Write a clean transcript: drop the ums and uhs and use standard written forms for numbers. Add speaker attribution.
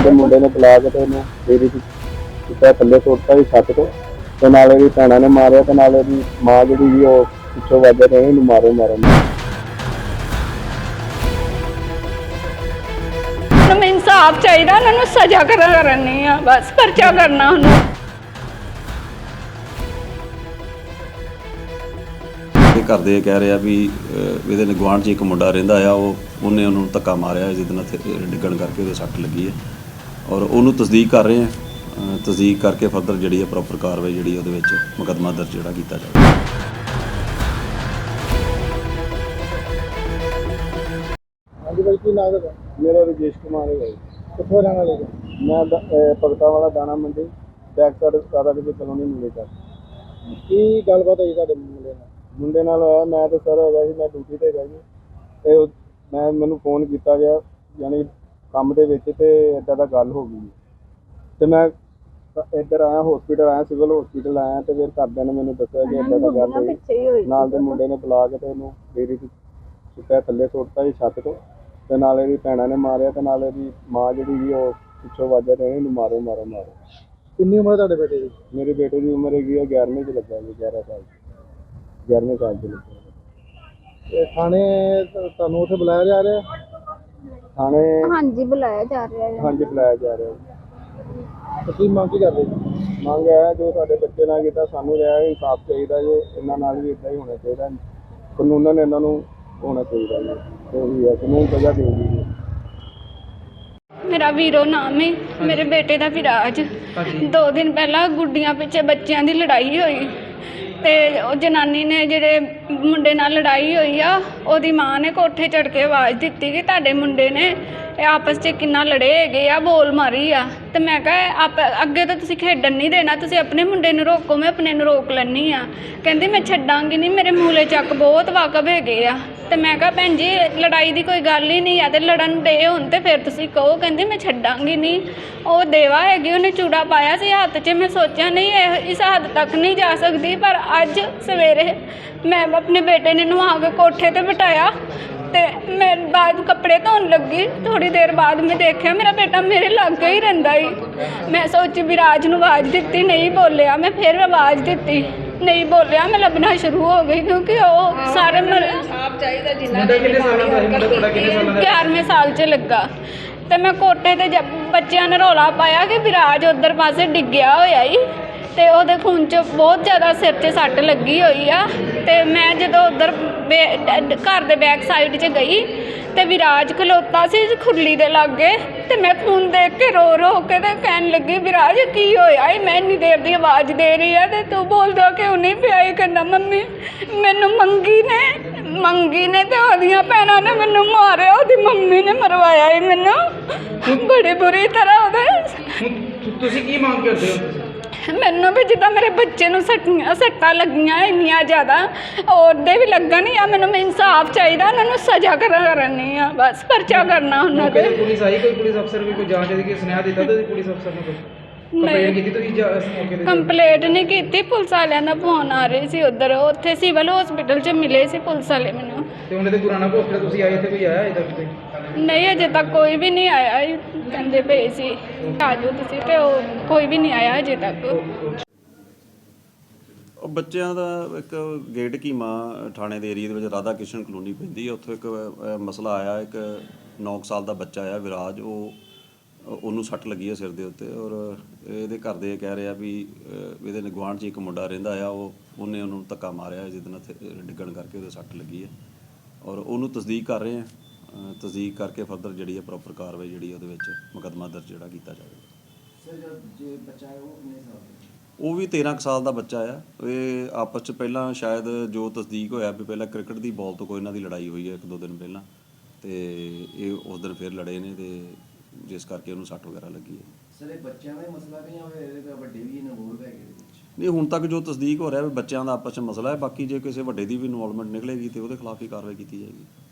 Speaker 1: ਦੇ ਮੁੰਡੇ ਨੇ ਬੁਲਾ ਕੇ ਤੇ ਉਹਨੂੰ ਡੇਰੀ ਚ ਸੁੱਟਿਆ, ਥੱਲੇ ਸੁੱਟਤਾ ਸੀ ਛੱਤ ਤੋਂ, ਤੇ ਨਾਲ ਇਹਦੀ ਭੈਣਾਂ ਨੇ ਮਾਰਿਆ ਤੇ ਨਾਲ ਇਹਦੀ ਮਾਂ ਜਿਹੜੀ ਸੀ ਉਹ ਪਿੱਛੋਂ ਵੱਜ ਰਹੇ ਇਹਨੂੰ ਮਾਰੋ ਮਾਰੋ।
Speaker 2: ਮੈਨੂੰ ਇਨਸਾਫ ਚਾਹੀਦਾ, ਉਹਨਾਂ ਨੂੰ ਸਜ਼ਾ ਕਰਨੀ ਆ, ਬਸ ਪਰਚਾ ਕਰਨਾ ਉਹਨੂੰ।
Speaker 3: ਘਰ ਦੇ ਕਹਿ ਰਿਹਾ ਵੀ ਇਹਦੇ ਗੁਆਂਢ 'ਚ ਇੱਕ ਮੁੰਡਾ ਰਹਿੰਦਾ ਆ, ਉਹਨੇ ਉਹਨੂੰ ਧੱਕਾ ਮਾਰਿਆ ਜਿਹਦੇ ਨਾਲ ਡਿੱਗਣ ਕਰਕੇ ਉਹਦੇ ਸੱਟ ਲੱਗੀ ਹੈ, ਔਰ ਉਹਨੂੰ ਤਸਦੀਕ ਕਰ ਰਹੇ ਹਾਂ। ਤਸਦੀਕ ਕਰਕੇ ਫਰਦਰ ਜਿਹੜੀ ਹੈ ਪ੍ਰੋਪਰ ਕਾਰਵਾਈ ਜਿਹੜੀ ਉਹਦੇ ਵਿੱਚ ਮੁਕੱਦਮਾ ਦਰਜ ਜਿਹੜਾ ਕੀਤਾ ਜਾਵੇ।
Speaker 1: ਹਾਂਜੀ ਭਾਈ, ਕੀ ਨਾਮ ਹੈ? ਮੇਰਾ ਰਜੇਸ਼ ਕੁਮਾਰ ਹੈ। ਕਿੱਥੋਂ ਰਹਿਣ ਵਾਲੇ? ਮੈਂ ਭਗਤਾ ਵਾਲਾ ਦਾਣਾ ਮੰਡੀ ਬੈਕ ਸਾਈਡ ਸਾਰਾ ਕਿਸੇ ਕਲੋਨੀ ਮਿਲੇ ਕਰ। ਕੀ ਗੱਲਬਾਤ ਹੋਈ ਤੁਹਾਡੇ ਮੁੰਡੇ ਨਾਲ? ਹੋਇਆ ਮੈਂ ਤਾਂ ਸਰ ਹੈਗਾ ਸੀ, ਮੈਂ ਡਿਊਟੀ 'ਤੇ ਹੈਗਾ ਜੀ, ਅਤੇ ਮੈਨੂੰ ਫੋਨ ਕੀਤਾ ਗਿਆ ਯਾਨੀ ਕੰਮ ਦੇ ਵਿੱਚ, ਅਤੇ ਇੱਦਾਂ ਦਾ ਗੱਲ ਹੋ ਗਈ ਅਤੇ ਮੈਂ ਇੱਧਰ ਆਇਆ, ਹੌਸਪੀਟਲ ਆਇਆ, ਸਿਵਲ ਹੌਸਪੀਟਲ ਆਇਆ, ਅਤੇ ਫਿਰ ਘਰਦਿਆਂ ਨੇ ਮੈਨੂੰ ਦੱਸਿਆ ਕਿ ਇੱਦਾਂ ਦਾ ਗੱਲ ਹੋਈ। ਨਾਲ ਦੇ ਮੁੰਡੇ ਨੇ ਬੁਲਾ ਕੇ ਅਤੇ ਉਹਨੂੰ ਡੇਰੀ 'ਚ ਸੁੱਟਿਆ, ਥੱਲੇ ਸੁੱਟਤਾ ਸੀ ਛੱਤ ਤੋਂ, ਅਤੇ ਨਾਲ ਇਹਦੀ ਭੈਣਾਂ ਨੇ ਮਾਰਿਆ, ਅਤੇ ਨਾਲ ਇਹਦੀ ਮਾਂ ਜਿਹੜੀ ਸੀ ਉਹ ਪਿੱਛੋਂ ਵੱਜ ਰਹੇ ਇਹਨੂੰ ਮਾਰੋ ਮਾਰੋ ਮਾਰੋ। ਕਿੰਨੀ ਉਮਰ ਤੁਹਾਡੇ ਬੇਟੇ ਦੀ? ਮੇਰੇ ਬੇਟੇ ਦੀ ਉਮਰ ਹੈਗੀ ਹੈ 11ਵੀਂ 'ਚ ਲੱਗਾ ਜੀ, 11 ਸਾਲ 11ਵੇਂ ਸਾਲ 'ਚ ਲੱਗਾ। ਤੇ ਥਾਣੇ ਤੁਹਾਨੂੰ ਉੱਥੇ ਬੁਲਾਇਆ ਜਾ ਰਿਹਾ? ਥਾਣੇ
Speaker 4: ਹਾਂਜੀ ਬੁਲਾਇਆ ਜਾ ਰਿਹਾ ਹੈ।
Speaker 1: ਹਾਂਜੀ ਬੁਲਾਇਆ ਜਾ ਰਿਹਾ। ਤੁਸੀਂ ਮੰਗ ਕੀ ਕਰਦੇ? ਮੰਗ ਹੈ ਜੋ ਸਾਡੇ ਬੱਚੇ ਨਾਲ ਕੀਤਾ, ਸਾਨੂੰ ਰਿਹਾ ਇਨਸਾਫ ਚਾਹੀਦਾ ਜੀ, ਇਹਨਾਂ ਨਾਲ ਵੀ ਇੱਦਾਂ ਹੀ ਹੋਣਾ ਚਾਹੀਦਾ, ਕਾਨੂੰਨ ਇਹਨਾਂ ਨੂੰ ਹੋਣਾ ਚਾਹੀਦਾ ਜੀ, ਉਹੀ ਹੈ ਕਾਨੂੰਨ ਸਜ਼ਾ ਦੇਊਗੀ ਜੀ।
Speaker 2: ਮੇਰਾ ਵੀਰੋ ਨਾਮ ਹੈ, ਮੇਰੇ ਬੇਟੇ ਦਾ ਵਿਰਾਜ। 2 ਦਿਨ ਪਹਿਲਾਂ ਗੁੱਡੀਆਂ ਪਿੱਛੇ ਬੱਚਿਆਂ ਦੀ ਲੜਾਈ ਹੋਈ, ਤੇ ਉਹ ਜਨਾਨੀ ਨੇ ਜਿਹੜੇ ਮੁੰਡੇ ਨਾਲ ਲੜਾਈ ਹੋਈ ਆ, ਉਹਦੀ ਮਾਂ ਨੇ ਕੋਠੇ ਚੜ੍ਹ ਕੇ ਆਵਾਜ਼ ਦਿੱਤੀ ਕਿ ਤੁਹਾਡੇ ਮੁੰਡੇ ਨੇ ਇਹ ਆਪਸ 'ਚ ਕਿੰਨਾ ਲੜੇ ਹੈਗੇ ਆ, ਬੋਲ ਮਾਰੀ ਆ। ਤੇ ਮੈਂ ਕਿਹਾ ਅੱਗੇ ਤਾਂ ਤੁਸੀਂ ਖੇਡਣ ਨਹੀਂ ਦੇਣਾ, ਤੁਸੀਂ ਆਪਣੇ ਮੁੰਡੇ ਨੂੰ ਰੋਕੋ, ਮੈਂ ਆਪਣੇ ਨੂੰ ਰੋਕ ਲੈਂਦੀ ਆ। ਕਹਿੰਦੀ ਮੈਂ ਛੱਡਾਂਗੀ ਨਹੀਂ, ਮੇਰੇ ਮੂਲੇ ਚੱਕ ਬਹੁਤ ਵਾਕਬ ਹੈਗੇ ਆ। ਤੇ ਮੈਂ ਕਿਹਾ ਭੈਣ ਜੀ ਲੜਾਈ ਦੀ ਕੋਈ ਗੱਲ ਹੀ ਨਹੀਂ ਆ, ਤੇ ਲੜਨ ਦੇ ਹੁਣ ਤੇ ਫਿਰ ਤੁਸੀਂ ਕਹੋ। ਕਹਿੰਦੀ ਮੈਂ ਛੱਡਾਂਗੀ ਨਹੀਂ। ਉਹ ਦੇਵਾ ਹੈਗੀ, ਉਹਨੇ ਚੂੜਾ ਪਾਇਆ ਸੀ ਹੱਥ 'ਚ। ਮੈਂ ਸੋਚਿਆ ਨਹੀਂ ਇਸ ਹੱਦ ਤੱਕ ਨਹੀਂ ਜਾ ਸਕਦੀ, ਪਰ ਅੱਜ ਸਵੇਰੇ ਮੈਂ ਆਪਣੇ ਬੇਟੇ ਨੇ ਨਵਾ ਕੇ ਕੋਠੇ 'ਤੇ ਬਿਠਾਇਆ, ਤੇ ਮੈਂ ਬਾਅਦ ਕੱਪੜੇ ਧੋਣ ਲੱਗੀ, ਥੋੜ੍ਹੀ ਦੇਰ ਬਾਅਦ ਮੈਂ ਦੇਖਿਆ ਮੇਰਾ ਬੇਟਾ ਮੇਰੇ ਲਾਗੇ ਹੀ ਰਹਿੰਦਾ ਸੀ। ਮੈਂ ਸੋਚੀ ਵਿਰਾਜ ਨੂੰ ਆਵਾਜ਼ ਦਿੱਤੀ, ਨਹੀਂ ਬੋਲਿਆ। ਮੈਂ ਫਿਰ ਆਵਾਜ਼ ਦਿੱਤੀ, ਨਹੀਂ ਬੋਲਿਆ। ਮੈਂ ਲੱਭਣਾ ਸ਼ੁਰੂ ਹੋ ਗਈ, ਕਿਉਂਕਿ ਉਹ ਸਾਰੇ
Speaker 5: ਆਪ ਚਾਹੀਦਾ ਜਿੰਨਾ
Speaker 2: 11ਵੇਂ ਸਾਲ 'ਚ ਲੱਗਾ। ਤੇ ਮੈਂ ਕੋਠੇ 'ਤੇ ਬੱਚਿਆਂ ਨੇ ਰੌਲਾ ਪਾਇਆ ਕਿ ਵਿਰਾਜ ਉੱਧਰ ਪਾਸੇ ਡਿੱਗਿਆ ਹੋਇਆ ਈ, ਤੇ ਉਹਦੇ ਖੂਨ 'ਚ ਬਹੁਤ ਜ਼ਿਆਦਾ ਸਿਰ 'ਚ ਸੱਟ ਲੱਗੀ ਹੋਈ ਆ। ਤੇ ਮੈਂ ਜਦੋਂ ਉੱਧਰ ਘਰ ਦੇ ਬੈਕ ਸਾਈਡ 'ਚ ਗਈ, ਤੇ ਵਿਰਾਜ ਖਲੋਤਾ ਸੀ ਖੁਰਲੀ ਦੇ ਲਾਗੇ, ਤੇ ਮੈਂ ਖੂਨ ਦੇਖ ਕੇ ਰੋ ਰੋ ਕੇ ਤੇ ਕਹਿਣ ਲੱਗੀ ਵਿਰਾਜ ਕੀ ਹੋਇਆ ਏ? ਮੈਂ ਇੰਨੀ ਦੇਰ ਦੀ ਆਵਾਜ਼ ਦੇ ਰਹੀ ਆ ਤੇ ਤੂੰ ਬੋਲਦਾ ਕਿਉਂ ਨਹੀਂ ਪਿਆ? ਇਹ ਕਹਿੰਦਾ ਮੰਮੀ ਮੈਨੂੰ ਮੰਗੀ ਨੇ ਤੇ ਉਹਦੀਆਂ ਭੈਣਾਂ ਨੇ ਮੈਨੂੰ ਮਾਰਿਆ, ਉਹਦੀ ਮੰਮੀ ਨੇ ਮਰਵਾਇਆ ਏ ਮੈਨੂੰ ਬੜੀ ਬੁਰੀ ਤਰ੍ਹਾਂ। ਉਹਦੇ
Speaker 5: ਤੁਸੀਂ ਕੀ ਮੰਗ ਕਰਦੇ ਹੋ?
Speaker 2: ਮੈਨੂੰ ਵੀ ਜਿੱਦਾਂ ਮੇਰੇ ਬੱਚੇ ਨੂੰ ਸੱਟਾਂ ਲੱਗੀਆਂ ਇੰਨੀਆਂ ਜ਼ਿਆਦਾ, ਉਹਦੇ ਵੀ ਲੱਗਣ, ਜਾਂ ਮੈਨੂੰ ਇਨਸਾਫ ਚਾਹੀਦਾ, ਉਹਨਾਂ ਨੂੰ ਸਜ਼ਾ ਕਰਨੀ ਆ, ਬਸ ਪਰਚਾ ਕਰਨਾ ਉਹਨਾਂ ਤੇ।
Speaker 5: ਪੁਲਿਸ ਆਈ? ਕੋਈ ਪੁਲਿਸ ਅਫਸਰ ਵੀ ਕੋਈ ਜਾਂਚ ਦੀ ਸੁਨੇਹਾ ਦਿੱਤਾ ਤੇ ਪੁਲਿਸ ਅਫਸਰ ਨੇ ਕੋਈ ਕੰਪਲੇਂਟ ਕੀਤੀ? ਤੁਸੀਂ ਇਸ ਮੌਕੇ ਤੇ
Speaker 2: ਕੰਪਲੇਂਟ ਨਹੀਂ ਕੀਤੀ, ਪੁਲਿਸ ਵਾਲਿਆਂ ਦਾ ਫੋਨ ਆ ਰਹੇ ਸੀ ਉੱਧਰ, ਉੱਥੇ ਸਿਵਲ ਹਸਪੀਟਲ 'ਚ ਮਿਲੇ ਸੀ ਪੁਲਿਸ ਵਾਲੇ ਮੈਨੂੰ।
Speaker 5: ਤੇ ਉਹਨੇ ਤੇ ਗੁਰਾਣਾ ਹਸਪੀਟਲ ਤੁਸੀਂ ਆਏ, ਇੱਥੇ ਕੋਈ ਆਇਆ ਇੱਧਰ ਕੋਈ?
Speaker 2: ਨਹੀਂ ਅਜੇ ਤੱਕ ਕੋਈ ਵੀ ਨਹੀਂ ਆਇਆ, ਕਹਿੰਦੇ ਪਏ ਸੀ ਆ ਜਾਓ ਤੁਸੀਂ, ਤੇ ਉਹ ਕੋਈ ਵੀ ਨਹੀਂ ਆਇਆ ਅਜੇ ਤੱਕ।
Speaker 3: ਉਹ ਬੱਚਿਆਂ ਦਾ ਇੱਕ ਗੇਟ ਕੀਮਾ ਥਾਣੇ ਦੇ ਏਰੀਏ ਦੇ ਵਿੱਚ ਰਾਧਾ ਕ੍ਰਿਸ਼ਨ ਕਲੋਨੀ ਪੈਂਦੀ ਹੈ, ਉੱਥੋਂ ਇੱਕ ਮਸਲਾ ਆਇਆ। ਇੱਕ 9 ਸਾਲ ਦਾ ਬੱਚਾ ਆ ਵਿਰਾਜ, ਉਹਨੂੰ ਸੱਟ ਲੱਗੀ ਹੈ ਸਿਰ ਦੇ ਉੱਤੇ, ਔਰ ਇਹਦੇ ਘਰ ਦੇ ਕਹਿ ਰਿਹਾ ਵੀ ਇਹਦੇ ਗੁਆਂਢ 'ਚ ਇੱਕ ਮੁੰਡਾ ਰਹਿੰਦਾ ਆ, ਉਹਨੇ ਉਹਨੂੰ ਧੱਕਾ ਮਾਰਿਆ ਜਿਹਦੇ ਨਾਲ ਡਿੱਗਣ ਕਰਕੇ ਉਹਦੇ ਸੱਟ ਲੱਗੀ ਹੈ, ਔਰ ਉਹਨੂੰ ਤਸਦੀਕ ਕਰ ਰਹੇ ਹਾਂ। ਤਸਦੀਕ ਕਰਕੇ ਫਰਦਰ ਜਿਹੜੀ ਹੈ ਪ੍ਰੋਪਰ ਕਾਰਵਾਈ ਜਿਹੜੀ ਉਹਦੇ ਵਿੱਚ ਮੁਕੱਦਮਾ ਦਰਜ ਜਿਹੜਾ ਕੀਤਾ ਜਾਵੇਗਾ। ਉਹ ਵੀ 13 ਸਾਲ ਦਾ ਬੱਚਾ ਆ। ਇਹ ਆਪਸ 'ਚ ਪਹਿਲਾਂ ਸ਼ਾਇਦ ਜੋ ਤਸਦੀਕ ਹੋਇਆ ਵੀ ਪਹਿਲਾਂ ਕ੍ਰਿਕਟ ਦੀ ਬਾਲ ਤੋਂ ਕੋਈ ਇਹਨਾਂ ਦੀ ਲੜਾਈ ਹੋਈ ਹੈ 1-2 ਦਿਨ ਪਹਿਲਾਂ, ਤੇ ਇਹ ਉਸ ਦਿਨ ਫਿਰ ਲੜੇ ਨੇ, ਤੇ ਜਿਸ ਕਰਕੇ ਉਹਨੂੰ ਸੱਟ ਵਗੈਰਾ ਲੱਗੀ ਹੈ।
Speaker 6: ਸਰ ਇਹ ਬੱਚਿਆਂ ਦਾ ਮਸਲਾ ਨਹੀਂ ਹੋਇਆ, ਵੱਡੇ ਵੀ ਇਨਵੋਲਵ ਹੈਗੇ ਇਹਦੇ ਵਿੱਚ?
Speaker 3: ਨਹੀਂ, ਹੁਣ ਤੱਕ ਜੋ ਤਸਦੀਕ ਹੋ ਰਿਹਾ ਵੀ ਬੱਚਿਆਂ ਦਾ ਆਪਸ 'ਚ ਮਸਲਾ ਹੈ, ਬਾਕੀ ਜੇ ਕਿਸੇ ਵੱਡੇ ਦੀ ਵੀ ਇਨਵੋਲਵਮੈਂਟ ਨਿਕਲੇਗੀ ਤੇ ਉਹਦੇ ਖਿਲਾਫ ਹੀ ਕਾਰਵਾਈ ਕੀਤੀ ਜਾਏਗੀ।